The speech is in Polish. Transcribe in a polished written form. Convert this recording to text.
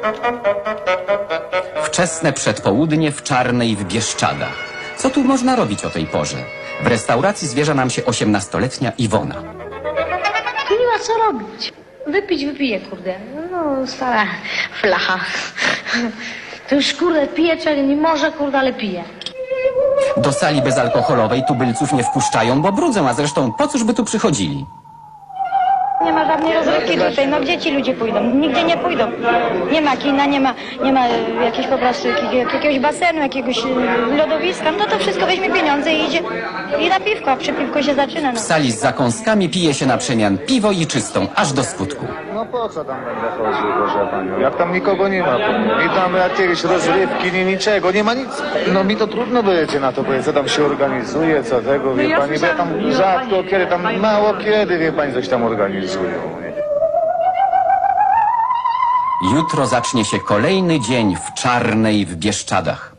Wczesne przedpołudnie w Czarnej w Bieszczadach. Co tu można robić o tej porze? W restauracji zwierza nam się 18-letnia Iwona. Tu nie ma co robić. Wypić wypiję, kurde. No, stara flacha. To już, kurde, pije, czego nie może, kurde, ale pije. Do sali bezalkoholowej tubylców nie wpuszczają, bo brudzą, a zresztą po cóż by tu przychodzili? Nie ma żadnej rozrywki tutaj, no gdzie ci ludzie pójdą? Nigdzie nie pójdą. Nie ma kina, nie ma jakiegoś po prostu jakiegoś basenu, jakiegoś lodowiska. No to wszystko weźmie pieniądze i idzie i na piwko, a przy piwko się zaczyna. No. W sali z zakąskami pije się na przemian piwo i czystą, aż do skutku. No po co tam będę chodził, proszę panią? Jak tam nikogo nie ma, nie tam jakieś rozrywki, nie niczego, nie ma nic. No mi to trudno będzie na to powiedzieć, co tam się organizuje, co tego, wie pani, bo ja tam rzadko kiedy, tam mało kiedy, wie pani, coś tam organizują. Jutro zacznie się kolejny dzień w Czarnej w Bieszczadach.